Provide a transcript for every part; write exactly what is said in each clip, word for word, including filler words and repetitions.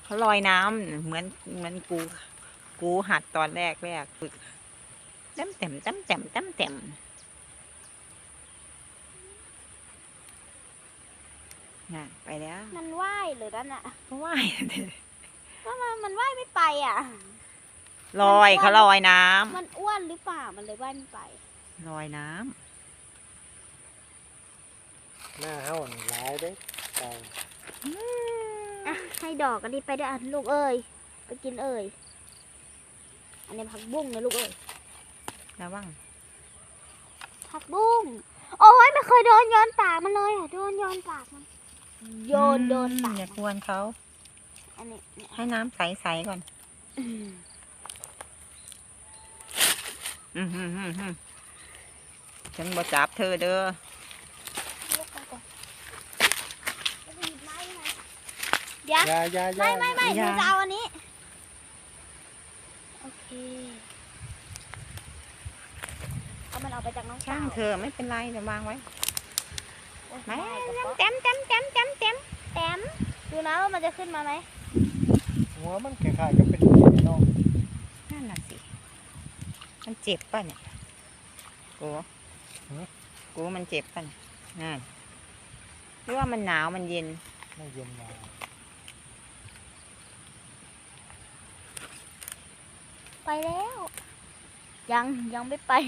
เขาลอยน้ำเหมือนเหมือนกู กูหัดตอนแรกแรกฝึกตั้มเต็มตั้มเต็มตั้มเต็มน่ะไปแล้วมันว่ายหรือนั่นอะก็ว่ายเถอะก็มันมันว่ายไม่ไปอ่ะลอยเขาลอยน้ำมันอ้วนหรือเปล่ามันเลยว่ายไม่ไปลอยน้หน้าเฮานี่หลายเด้ไก่ำอ่ะให้ดอกอันนี้ไปด้วยอ่ะลูกเอ้ยไปกินเอ้ยอันนี้ผักบุ้งนะลูกเอ้ยระวังผักบุ้งโอ้ยไม่เคยโดนโยนปากมันเลยอ่ะโดนโยนปากมันโยนโดนปากอย่ากวนเขาอันนี้เนี่ยให้น้ำใสๆก่อนอืมอืมฮึมฮึมฮึมฉันบ่จับเธอเด้อลูกไปก่อนจะไปหยิบไม้มาเดี๋ยวอยาอยาอยาไม่ไม่ไม่หนูจะเอาอันนี้โอเคเอามันออกไปจากน้องช่างสาวเธอไม่เป็นไรเดี๋ยววางไว้โอ๊ยไม่ได้กระเป๋าเต็มเต็มเต็มเต็มเต็มแต้มดูนะว่ามันจะขึ้นมาไหมหัวมันคล้ายๆก็เป็นพี่น้องนั่นน่ะสิ มันเจ็บป่ะเนี่ยกูกูมันเจ็บป่ะเนี่ยนั่นหรือว่ามันหนาวมันเย็นไม่เย็นมาไปแล้ว ยังยังไม่ไป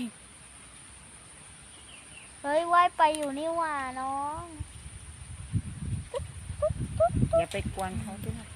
เฮ้ยว่ายไปอยู่นี่หว่าน้องอย่าไปกวนเขาด้วย